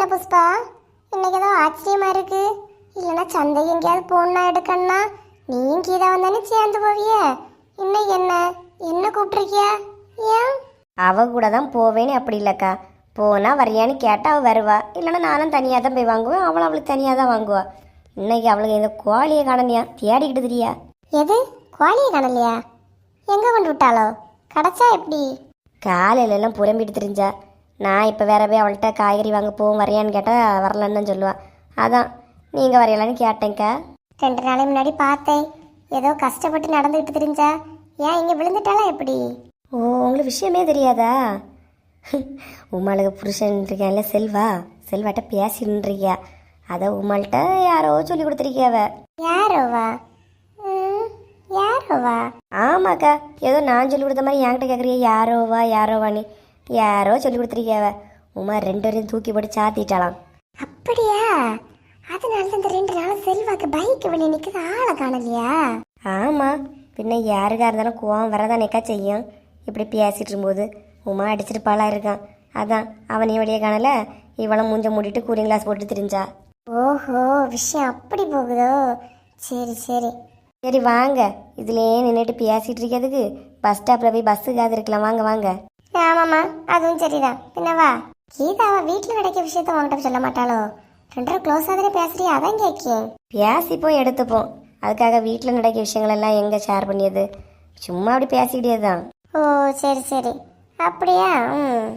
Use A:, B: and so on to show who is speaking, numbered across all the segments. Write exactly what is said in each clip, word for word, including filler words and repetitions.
A: புஷ்பா, இன்னைக்கு ஏதோ ஆச்சரியமா இருக்கு. இல்லைன்னா சந்தை எங்கேயாவது போனா எடுக்கணும்னா நீயும் கீதா வந்தானே சேர்ந்து போவிய. இன்னைக்கு என்ன என்ன கூப்பிட்டுருக்கியா? ஏன்?
B: அவ கூட தான் போவேன்னு அப்படி இல்லைக்கா. போனால் வரியான்னு கேட்டால் அவள் வருவா, இல்லைன்னா நானும் தனியாக தான் போய் வாங்குவேன், அவளும் அவளுக்கு தனியாக தான் வாங்குவா. இன்னைக்கு அவளுக்கு இந்த கோழியை காணலையா, தேடிக்கிட்டு தெரியா.
A: எது கோழியை காணலையா? எங்கே கொண்டு விட்டாளோ? கிடச்சா எப்படி?
B: காலையிலலாம் புறம்பிட்டு தெரிஞ்சா. நான் இப்போ வேற போய் அவள்கிட்ட காய்கறி வாங்க போவோம் வரையான்னு கேட்டால் வரலன்னு சொல்லுவாள். அதான் நீங்கள் வரையலான்னு கேட்டேங்க்கா.
A: ரெண்டு நாளைக்கு முன்னாடி பார்த்தேன், ஏதோ கஷ்டப்பட்டு நடந்துக்கிட்டு தெரிஞ்சா. ஏன் இங்கே விழுந்துட்டாளா எப்படி?
B: ஓ, உங்களுக்கு விஷயமே தெரியாதா? உமாளுக்கு புருஷன் இருக்கான்ல செல்வா, செல்வாட்ட பேசின்னு இருக்கியா. அதை உமாள்கிட்ட யாரோ சொல்லி கொடுத்துருக்கியாவ.
A: யாரோவா? ம், யாரோவா?
B: ஆமாக்கா, ஏதோ நான் சொல்லி கொடுத்த மாதிரி என்கிட்ட கேட்குறிய யாரோவா யாரோவான்னு. யாரோ சொல்லி கொடுத்துருக்கியாவ. உமா ரெண்டு வரையும் தூக்கி போட்டு சாத்திட்டாலாம்.
A: அப்படியா? அதனால தான் இந்த ரெண்டு நாள் செல்வாக்கு பைக் வெளியே நிற்குது, ஆளை காணலையா?
B: ஆமாம், பின்ன யாருக்கா இருந்தாலும் கோவம் வரதானேக்கா செய்யும். இப்படி பேசிட்டு இருக்கும்போது உமா அடிச்சிட்டு பாலா இருக்கான். அதான் அவனையும் வெளியே காணல, இவளை மூஞ்ச மூடிட்டு கூலிங் கிளாஸ் போட்டு திரிஞ்சா.
A: ஓஹோ, விஷயம் அப்படி போகுதோ? சரி சரி
B: சரி வாங்க, இதுலேயே நின்றுட்டு பேசிட்டு இருக்கிறதுக்கு பஸ் ஸ்டாப்பில் போய் பஸ்ஸுக்காவது இருக்கலாம். வாங்க வாங்க.
A: ஆமாம்மா, அதுவும் சரிதான். பின்னவா கீதாவா வீட்டில் கிடைக்க விஷயத்த உங்ககிட்ட சொல்ல மாட்டாளோ? ரெண்டரை க்ளோஸ் ஆகுதுன்னு பேசுறியா? அதான் கேட்கேன்.
B: பேசிப்போம் எடுத்துப்போம், அதுக்காக வீட்டில் நடக்கிற விஷயங்கள் எல்லாம் எங்கே ஷேர் பண்ணியது? சும்மா அப்படி பேசிக்கிட்டே தான்.
A: ஓ சரி சரி, அப்படியா? ம்.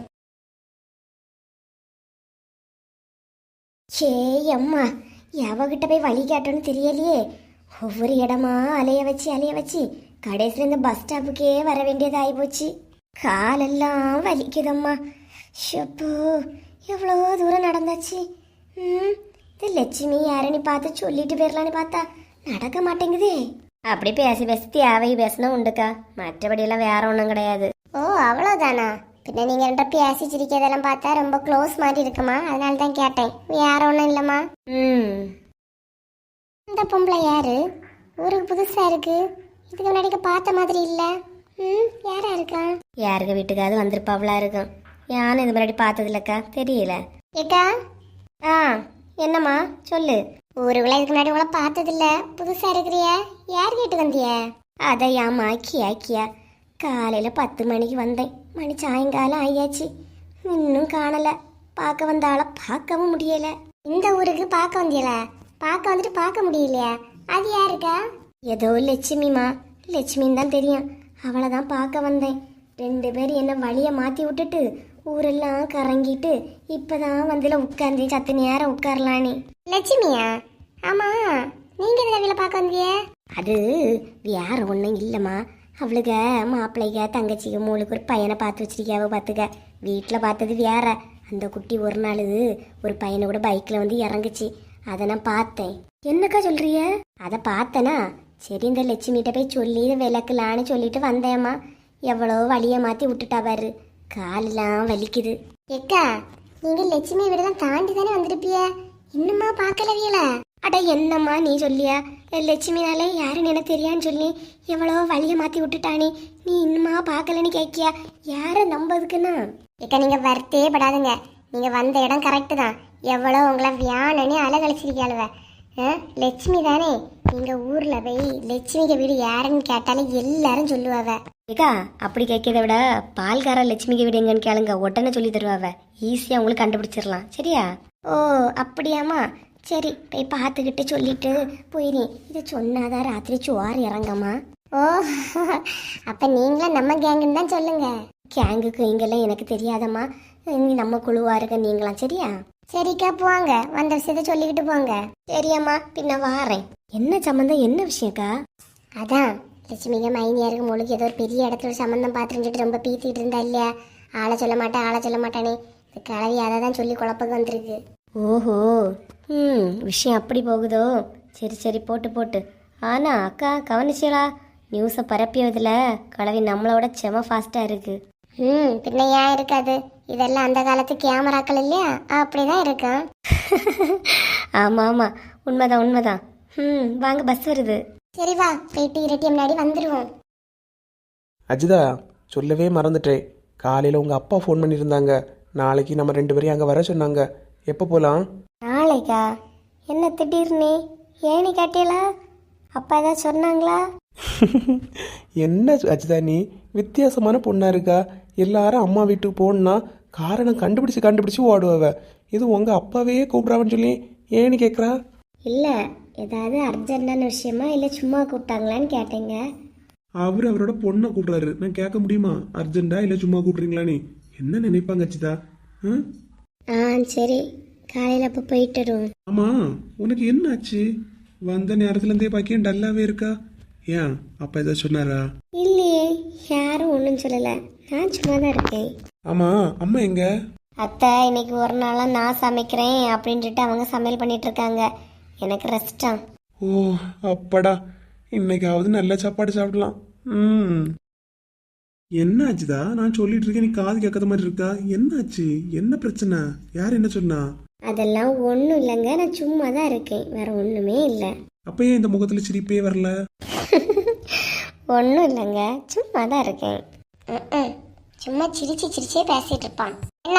A: சே அம்மா, எவகிட்ட போய் வழி கேட்டோன்னு தெரியலையே. ஒவ்வொரு இடமா அலைய வச்சு அலைய வச்சு கடைசியில் இந்த பஸ் ஸ்டாப்புக்கே வர வேண்டியது ஆகி போச்சு. காலெல்லாம் வலிக்குதம்மா. ஷப்போ, எவ்வளோ தூரம் நடந்தாச்சு. ம், இது லட்சுமி யாருன்னு பார்த்து சொல்லிட்டு போயிடலான்னு பார்த்தா நடக்க மாட்டேங்குதே.
B: அப்படி பேசி பேசி தேவை பேசினா உண்டுக்கா, மற்றபடியெல்லாம் வேற ஒன்றும் கிடையாது.
A: ஓ அவ்வளோதானா? பின்ன நீங்கள் ரெண்டா பேசி சிரிக்கிறதெல்லாம் பார்த்தா ரொம்ப க்ளோஸ் மாதிரி இருக்குமா, அதனால தான் கேட்டேன். வேற ஒன்றும் இல்லைம்மா.
B: ம்,
A: இந்த பொம்பளை யாரு? ஊருக்கு புதுசாக இருக்கு, இதுக்கு முன்னாடி பார்த்த மாதிரி இல்லை. ம், யாரா இருக்கா?
B: யாருக்கு வீட்டுக்காவது வந்திருப்பாவளா இருக்கும். யாரும் இது முன்னாடி பார்த்தது இல்லைக்கா, தெரியல.
A: ஏக்கா.
B: ஆ என்னம்மா சொல்லு.
A: ஊருக்குள்ள இதுக்கு முன்னாடி உங்களை பார்த்ததில்ல, புதுசாக இருக்கிறிய. யார் கேட்டு வந்திய?
B: அதையாம்மா கியா கியா. காலையில் பத்து மணிக்கு வந்தேன், மணி சாயங்காலம் ஆயாச்சு, இன்னும் காணலை. பார்க்க வந்தாலும் பார்க்கவும் முடியலை.
A: இந்த ஊருக்கு பார்க்க வந்தியல, பார்க்க வந்துட்டு பார்க்க முடியலையா? அது யாருக்கா?
B: ஏதோ லட்சுமிமா, லட்சுமின்னு தான் தெரியும். அவளை தான் பார்க்க வந்தேன். ரெண்டு பேர் என்ன வழியை மாற்றி விட்டுட்டு ஊரெல்லாம் கறங்கிட்டு இப்போதான் வந்தில உட்காந்து சத்து நேரம் உட்காரலானே.
A: லட்சுமியா? ஆமாம், நீங்கள் இந்த வீட்டில் பார்க்க வந்திய?
B: அது வேற ஒன்றும் இல்லைம்மா. அவளுக்கு மாப்பிள்ளைக்க தங்கச்சிக்கு மூளுக்கு ஒரு பையனை பார்த்து வச்சிருக்கியாவ. பார்த்துக்க, வீட்டில் பார்த்தது வேற. அந்த குட்டி ஒரு நாள் ஒரு பையனை கூட பைக்கில் வந்து இறங்குச்சு, அதை நான் பார்த்தேன். என்னக்கா சொல்றிய? அதை பார்த்தனா, சரி இந்த லட்சுமிகிட்ட போய் சொல்லி விளக்கலான்னு சொல்லிட்டு வந்தேம்மா. எவ்வளோ வழியை மாற்றி விட்டுட்டா பாரு, காலெல்லாம் வலிக்குது.
A: ஏக்கா, நீங்கள் லட்சுமி வீடு தான் தாண்டி தானே வந்திருப்பிய, இன்னுமா பார்க்கலவியல?
B: அட என்னம்மா நீ சொல்லியா? லட்சுமினாலே யாருன்னு எனக்கு தெரியான்னு சொல்லி எவ்வளோ வழியை மாற்றி விட்டுட்டானே, நீ இன்னுமா பார்க்கலன்னு கேட்கியா? யாரை நம்பதுக்குன்னா?
A: ஏக்கா, நீங்கள் வருத்தே படாதுங்க. நீங்கள் வந்த இடம் கரெக்டு தான். எவ்வளோ உங்களை வியானனே அலகழிச்சிருக்காளுவ. லட்சுமி தானே? நீங்கள் ஊரில் போய் லட்சுமிக்கு வீடு யாருன்னு கேட்டாலும் எல்லாரும் சொல்லுவாவ.
B: ஏக்கா, அப்படி கேட்கறத விட பால்கார லட்சுமிக்கு வீடு எங்கன்னு கேளுங்க, உடனே சொல்லி தருவாவ. ஈஸியாக உங்களுக்கு கண்டுபிடிச்சிடலாம். சரியா?
A: ஓ அப்படியாம்மா? சரி, போய் பார்த்துக்கிட்டு சொல்லிட்டு போயிரு. இதை சொன்னாதான் ராத்திரி சோறு இறங்கம்மா. ஓ, அப்போ நீங்களும் நம்ம கேங்குன்னு தான் சொல்லுங்க.
B: கேங்குக்கு இங்கெல்லாம் எனக்கு தெரியாதம்மா, நீ நம்ம குழுவா இருக்க நீங்களாம். சரியா?
A: சரிக்கா, போங்க, வந்த விஷயத்த சொல்லிக்கிட்டு போங்க.
B: சரியம்மா, பின்ன வாரேன். என்ன சம்மந்தம், என்ன விஷயக்கா?
A: அதான் லட்சுமிங்க மைனியாருக்கு முழுக்க ஏதோ ஒரு பெரிய இடத்துல ஒரு சம்மந்தம் பார்த்துட்டு ரொம்ப பீத்திட்டு இருந்தா இல்லையா? ஆளை சொல்ல மாட்டேன் ஆளை சொல்ல மாட்டானே. இந்த கிளவி அதை தான் சொல்லி குழப்பக்கு வந்துருக்கு.
B: ஓஹோ, ம், விஷயம் அப்படி போகுதோ? சரி சரி, போட்டு போட்டு. ஆனா அக்கா கவனிச்சலா, நியூஸை பரப்பியதில் கிளவி நம்மளோட செம ஃபாஸ்ட்டாக இருக்கு.
A: ம், பின்ன ஏன் இருக்காது? இதெல்லாம் அந்த காலத்து கேமராக்கள் இல்லையா, அப்படிதான் இருக்கும்.
B: ஆமாம் ஆமாம், உண்மைதான் உண்மைதான். ம், வாங்க, பஸ் வருது.
A: சரி வா, போயிட்டு இரட்டி முன்னாடி வந்துடுவோம்.
C: அஜிதா, சொல்லவே மறந்துட்டேன். காலையில் உங்கள் அப்பா ஃபோன் பண்ணியிருந்தாங்க, நாளைக்கு நம்ம ரெண்டு பேரையும் அங்கே வர சொன்னாங்க. எப்போ போகலாம்?
B: நாளைக்கா? என்ன திடீர்னு? ஏனி கேட்டீங்களா? அப்பா ஏதாவது சொன்னாங்களா?
C: என்ன அஜிதா நீ வித்தியாசமான பொண்ணா இருக்கா? எல்லாரும் அம்மா வீட்டுக்கு போகணுன்னா காரணம் கண்டுபிடிச்சு கண்டுபிடிச்சு ஓடுவவ. இது உங்க அப்பாவே கூப்பிட்றாவன்னு சொல்லி ஏன்னு கேட்குறா?
B: இல்லை, ஏதாவது அர்ஜென்டான விஷயமா இல்லை சும்மா கூப்பிட்டாங்களான்னு கேட்டேங்க.
C: அவர் அவரோட பொண்ணை கூப்பிட்றாரு, நான் கேட்க முடியுமா அர்ஜென்டா இல்லை சும்மா கூப்பிட்றீங்களா? நீ என்ன நினைப்பாங்க அஜிதா? ம்?
B: ஆ சரி, காலையில் அப்போ போயிட்டு வருவோம்.
C: ஆமா, உனக்கு என்ன ஆச்சு? வந்த நேரத்துல இருந்தே பாக்கியம் டல்லாவே இருக்கா? ஏன் அப்பா ஏதாவது சொன்னாரா?
B: இல்லையே, யாரும் ஒன்றும் சொல்லலை. நான் சும்மா தான் இருக்கேன்.
C: ஆமா, அம்மா எங்க?
B: அத்தை இன்னைக்கு ஒரு நாளாக நான் சமைக்கிறேன் அப்படின்ட்டு அவங்க சமையல் பண்ணிட்டு இருக்காங்க. எனக்கு ரெஸ்டா.
C: ஓ அப்படா, இன்னைக்காவது நல்ல சாப்பாடு சாப்பிடலாம். ம். என்ன ஆச்சுதா? நான் சொல்லிட்டு இருக்கேன், நீ காது கேட்காத மாதிரி இருக்கா? என்ன ஆச்சு? என்ன பிரச்சனை? யார் என்ன சொன்னா?
B: அதெல்லாம் ஒன்றும் இல்லைங்க, நான் சும்மா தான் இருக்கேன், வேற ஒன்றுமே இல்லை.
C: அப்ப ஏன் இந்த முகத்துல சிரிப்பே வரல?
B: ஒன்றும் இல்லைங்க, சும்மா தான் இருக்கேன். சும்மா சிரிச்சு சிரிச்சே பேசிட்டு இருப்பான். என்ன?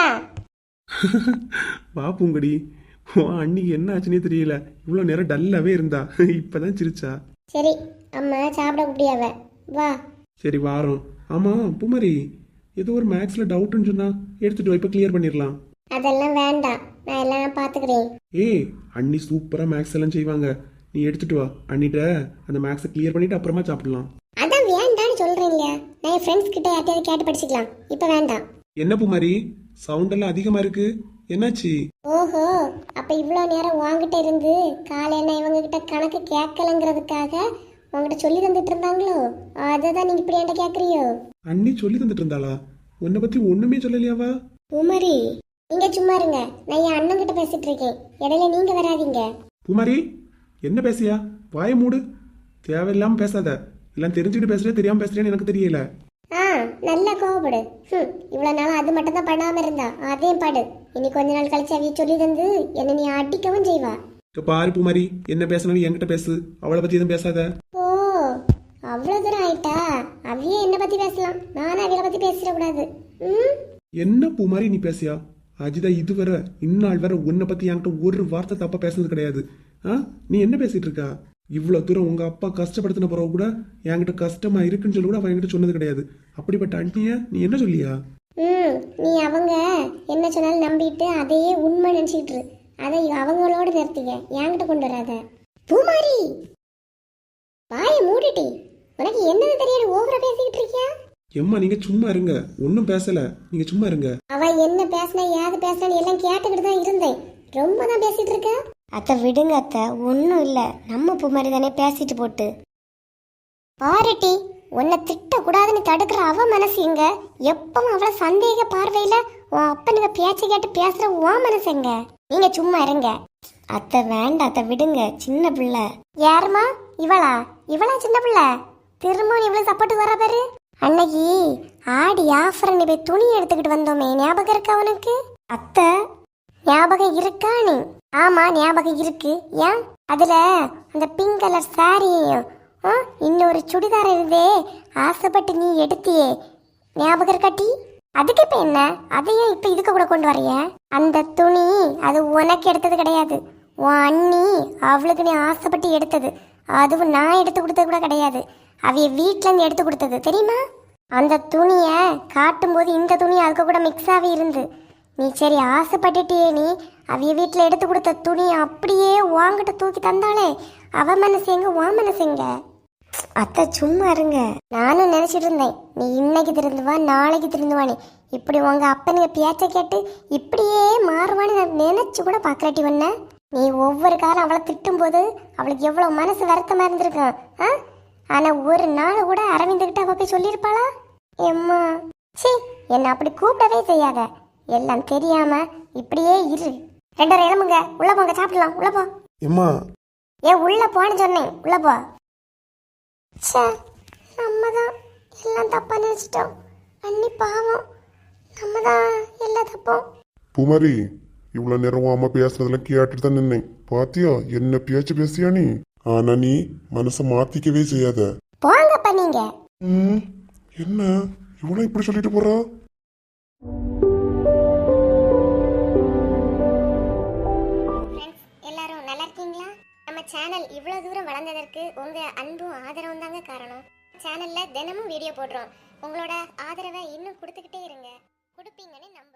C: வா பூங்கடி, உன் அன்னைக்கு என்ன ஆச்சுன்னே தெரியல, இவ்வளோ நேரம் டல்லாவே இருந்தா, இப்பதான் சிரிச்சா.
B: சரி, அம்மா சாப்பிட முடியாவ, வா.
C: சரி வாரோம். ஆமா பூமாரி, ஏதோ ஒரு மேக்ஸ்ல டவுட்னு சொன்னா எடுத்துட்டு வா, இப்ப கிளியர் பண்ணிடலாம்.
B: அதெல்லாம் வேண்டாம், நான் எல்லாம் பார்த்துக்கிறேன்.
C: ஏய், அண்ணி சூப்பரா மேக்ஸ் எல்லாம் செய்வாங்க, நீ எடுத்துட்டு வா. அண்ணிட்ட அந்த மேக்ஸை கிளியர் பண்ணிட்டு அப்புறமா சாப்பிடலாம்.
B: அதான் வேண்டான்னு சொல்றேன் இல்லையா, நான் என் ஃப்ரெண்ட்ஸ் கிட்ட யார்ட்டையாவது கேட்டு படிச்சுக்கலாம், இப்போ வேண்டாம்.
C: என்ன பூமாரி, சவுண்ட் எல்லாம் அதிகமா இருக்கு, என்னாச்சு?
B: ஓஹோ, அப்ப இவ்வளோ நேரம் வாங்கிட்ட இருந்து காலையில இவங்க கிட்ட கணக்கு கேட்கலங்கிறதுக்காக உங்ககிட்ட சொல்லி தந்துட்டு இருந்தாங்களோ, அதை தான் நீங்க இப்படி என்கிட்ட கேட்குறியோ?
C: அண்ணி சொல்லி தந்துட்டு இருந்தாளா? உன்னை பத்தி ஒண்ணுமே சொல்லலையாவா?
B: பூமாரி, நீங்க சும்மா இருங்க, நான் என் அண்ணன் கிட்ட பேசிட்டு இருக்கேன், இடையில நீங்க வராதீங்க.
C: பூமாரி, என்ன பேசியா? வாய மூடு, தேவையில்லாம பேசாத. எல்லாம் தெரிஞ்சுக்கிட்டு பேசுறே, தெரியாம பேசுறேன்னு எனக்கு தெரியல.
B: ஆ நல்லா கோவப்படு. ம், இவ்வளவு நாள் அது மட்டும் தான் பண்ணாம இருந்தா, அதையும் பாடு. இனி கொஞ்ச நாள் கழிச்சு அவிய சொல்லி தந்து என்ன நீ அடிக்கவும் செய்வா.
C: இப்ப பாரு பூமாரி, என்ன பேசணும் என்கிட்ட பேசு, அவளை பத்தி எதுவும் பேசாத.
B: ஓ, அவ்வளவு தூரம் ஆயிட்டா? அவிய என்ன பத்தி பேசலாம், நானும் அவிய பத்தி பேசிடக்கூடாது. ம்.
C: என்ன பூமாரி நீ பேசியா? அஜிதா இதுவரை இந்நாள் வரை உன்னை பத்தி என்கிட்ட ஒரு வார்த்தை தப்பா பேசுனது கிடையாது. ஆ, நீ என்ன பேசிட்டு இருக்கா? இவ்வளவு தூரம் உங்க அப்பா கஷ்டப்படுத்தின பிறகு கூட என்கிட்ட கஷ்டமா இருக்குன்னு சொல்லி கூட அவன் என்கிட்ட சொன்னது கிடையாது. அப்படிப்பட்ட அண்ணிய நீ என்ன சொல்லியா?
B: ம், நீ அவங்க என்ன சொன்னாலும் நம்பிட்டு அதையே உண்மை நினைச்சிட்டு அதை அவங்களோட நிறுத்திக்க, என்கிட்ட கொண்டு வராத. பூமாரி, வாய மூடிட்டி. உனக்கு என்னது தெரியாது, ஓவரா பேசிக்கிட்டு இருக்கியா?
C: எம்மா நீங்க சும்மா இருங்க, ஒன்னும் பேசல, நீங்க சும்மா இருங்க.
B: அவ என்ன பேசினா ஏது பேசினான்னு எல்லாம் கேட்டுக்கிட்டு தான் இருந்தேன். ரொம்ப தான் பேசிட்டு இருக்க. அத்தை விடுங்க அத்தை, ஒன்றும் இல்லை, நம்ம பூ மாதிரி தானே பேசிட்டு போட்டு. பாருட்டி, உன்னை திட்டக்கூடாதுன்னு தடுக்கிற அவ மனசு எங்க? எப்பவும் அவளை சந்தேக பார்வையில உன் அப்பனுங்க பேச்சை கேட்டு பேசுற உன் மனசு எங்க? நீங்க சும்மா இருங்க. அத்தை வேண்டாம் அத்தை, விடுங்க, சின்ன பிள்ளை. யாருமா இவளா? இவளா சின்ன பிள்ளை? திரும்ப இவ்வளவு சப்போர்ட் வர பாரு. அன்னைக்கு ஆடி ஆஃபர் நீ போய் துணி எடுத்துக்கிட்டு வந்தோமே, ஞாபகம் இருக்கா உனக்கு? அத்தை ஞாபகம் இருக்கா நீ? ஆமா ஞாபகம் இருக்கு. ஏன் அதுல அந்த பிங்க் கலர் சாரியும் இன்னொரு சுடிதார் இருந்தே ஆசைப்பட்டு நீ எடுத்தியே, ஞாபகம் இருக்காட்டி? அதுக்கு இப்ப என்ன, அதையும் இப்ப இதுக்கு கூட கொண்டு வரைய? அந்த துணி அது உனக்கு எடுத்தது கிடையாது, உன் அண்ணி அவளுக்கு நீ ஆசைப்பட்டு எடுத்தது. அதுவும் நான் எடுத்து கொடுத்தது கூட கிடையாது, அவைய வீட்டுல இருந்து எடுத்து கொடுத்தது தெரியுமா? அந்த துணிய காட்டும் போது இந்த துணி அதுக்கு கூட மிக்ஸ் ஆகி இருந்து நீ சரி ஆசைப்பட்டுட்டியே, நீ அவைய வீட்டுல எடுத்து கொடுத்த துணி அப்படியே வாங்கிட்டு தூக்கி தந்தாலே அவ மனசு எங்க உன் மனசு எங்க? அத்தை சும்மா இருங்க. நானும் நினைச்சிட்டு இருந்தேன் நீ இன்னைக்கு திருந்துவா நாளைக்கு திருந்துவானே, இப்படி உங்க அப்பனுங்க பேச்ச கேட்டு இப்படியே மாறுவான்னு நான் நினைச்சு கூட பாக்கலாட்டி ஒன்ன. நீ ஒவ்வொரு காலம் அவளை திட்டும் போது அவளுக்கு எவ்வளவு மனசு வருத்தமா இருந்திருக்கும். ஆ, ஆனா ஒரு நாள் கூட அரவிந்துகிட்ட அவ போய் சொல்லியிருப்பாளா? எம்மா சி, என்ன அப்படி கூப்பிடவே செய்யாத, எல்லாம் தெரியாம இப்படியே இரு. ரெண்டு இளமுங்க, உள்ள போங்க, சாப்பிடலாம், உள்ள போ.
C: எம்மா
B: ஏ உள்ள போன்னு சொன்னேன், உள்ள போ. ச்சே, நம்ம தான் எல்லாம் தப்பா நினைச்சிட்டோம். அண்ணி பாவம், நம்ம தான் எல்லா தப்போம்.
D: பூமாரி, இவ்வளவு நேரம் அம்மா பேசுறதெல்லாம் கேட்டுட்டு தான் நின்னேன். பாத்தியா என்ன பேச்சு பேசியா நீ? ஆனா நீ மனசை மாத்திக்கவே செய்யாத.
B: போங்கப்பா நீங்க.
D: ம், என்ன இவனும் இப்படி சொல்லிட்டு போறா?
A: இருக்கீங்களா? நம்ம சேனல் இவ்வளவு தூரம் வளர்ந்ததற்கு உங்க அன்பும் ஆதரவும் தாங்க காரணம். சேனல்ல தினமும் வீடியோ போடுறோம். உங்களோட ஆதரவை இன்னும் கொடுத்துக்கிட்டே இருங்க. கொடுப்பீங்கன்னு நம்ப